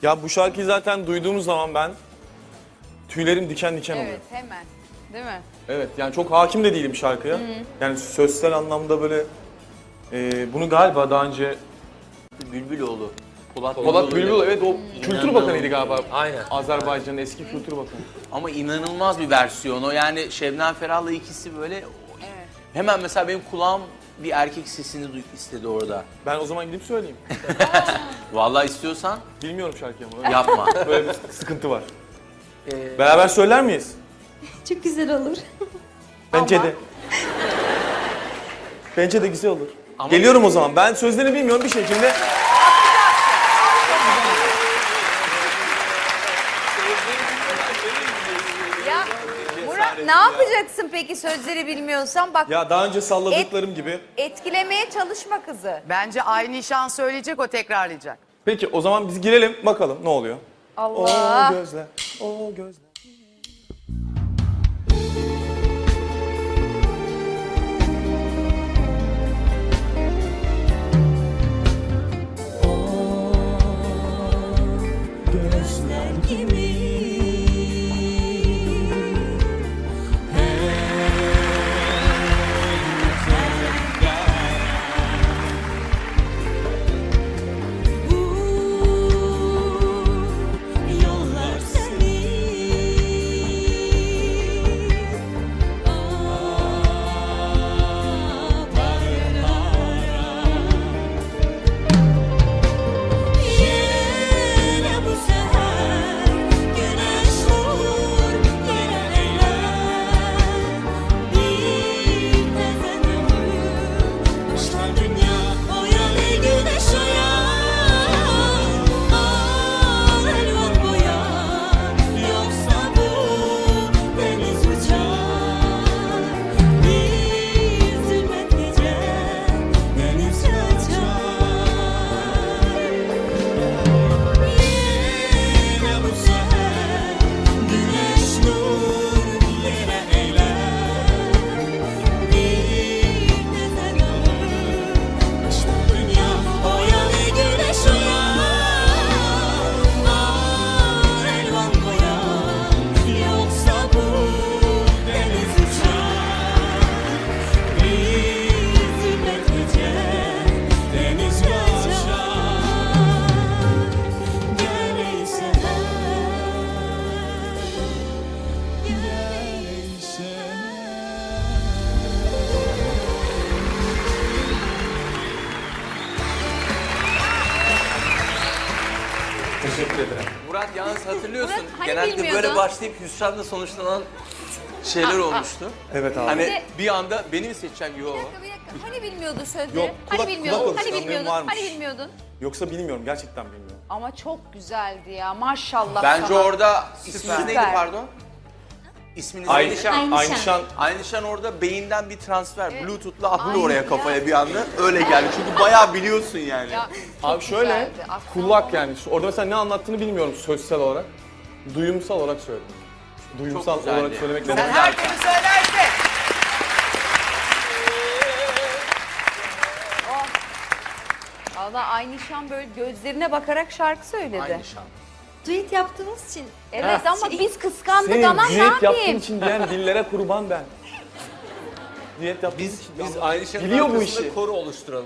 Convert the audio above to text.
Ya bu şarkıyı zaten duyduğumuz zaman ben tüylerim diken diken oluyor. Evet hemen. Değil mi? Evet yani çok hakim de değilim şarkıya. Yani sözsel anlamda böyle bunu galiba daha önce Bülbüloğlu. Polat Bülbül evet o Kültür Bakanıydı galiba. Aynen. Azerbaycan'ın eski Kültür Bakanı. Ama inanılmaz bir versiyon o. Yani Şebnem Ferah'la ikisi böyle Evet. hemen mesela benim kulağım bir erkek sesini istedi orada. Ben o zaman gidip söyleyeyim. Vallahi istiyorsan Bilmiyorum şarkıyı ama öyle, yapma. böyle bir sıkıntı var. Beraber söyler miyiz? Çok güzel olur. Bence Ama- de. Bence de güzel olur. Ama- Geliyorum o zaman. Ben sözlerini bilmiyorum bir şekilde. Ya Murat ne yapacaksın peki sözleri bilmiyorsan? Bak Ya daha önce salladıklarım gibi. etkilemeye çalışma kızı. Bence aynı şan söyleyecek, o tekrarlayacak. Peki o zaman biz girelim bakalım ne oluyor. Allah. O gözler, o gözler. Gözler gibi bu yollar seni yine bu seher güneş vurur yine eyler bir tezenümü başlar dünya oyan ey güneş oyan al elvan boyan yoksa bu deniz uçar bir zulmet gece deniz kaçar. Yine bu seher güneş nur yine eyler bir tezen ömür başlar dünya oyan ey güneş oyan al elvan boyan yoksa bu deniz uçar bir zulmet gece deniz kaçar. Gel ey seher, gel ey seher. Teşekkür ederim. Murat yalnız hatırlıyorsun. Murat, hani genelde bilmiyordun? böyle başlayıp hüsranla sonuçlanan şeyler olmuştu. Evet abi. Hani bir anda beni mi seçeceğim? Yo. Bir dakika. Hani bilmiyordun sözleri? Yok, Hani kulak bilmiyordun? Hani alışkanlığım bilmiyordun? varmış. Hani bilmiyordun? Yoksa bilmiyorum gerçekten bilmiyorum. Ama çok güzeldi ya maşallah Bence sana. orada isminiz neydi Süper. pardon? İsminiz Aynı neydi? şan, Aynı aynı şan. şan. Aynı şan orada beyinden bir transfer. Bluetooth'la atlıyor Aynen oraya ya. kafaya bir anda. Öyle geldi. Çünkü bayağı biliyorsun yani. Ya, çok Abi şöyle güzeldi. Aklım kulak oldu. yani. Orada mesela ne anlattığını bilmiyorum sözsel olarak. Duyumsal olarak söyledim. Duyumsal güzeldi. olarak söylemek ne Çok Sen demek? güzel. her türlü söylersin. Valla aynı şan böyle gözlerine bakarak şarkı söyledi. Aynı şan. Düet yaptığımız için. Evet ama biz kıskandık Senin anam ne diyet yaptığın yapayım? için diyen dillere kurban ben. Diyet yaptığın için. Biz aynı şeyin Biliyor bu arkasında işi. koru oluşturalım.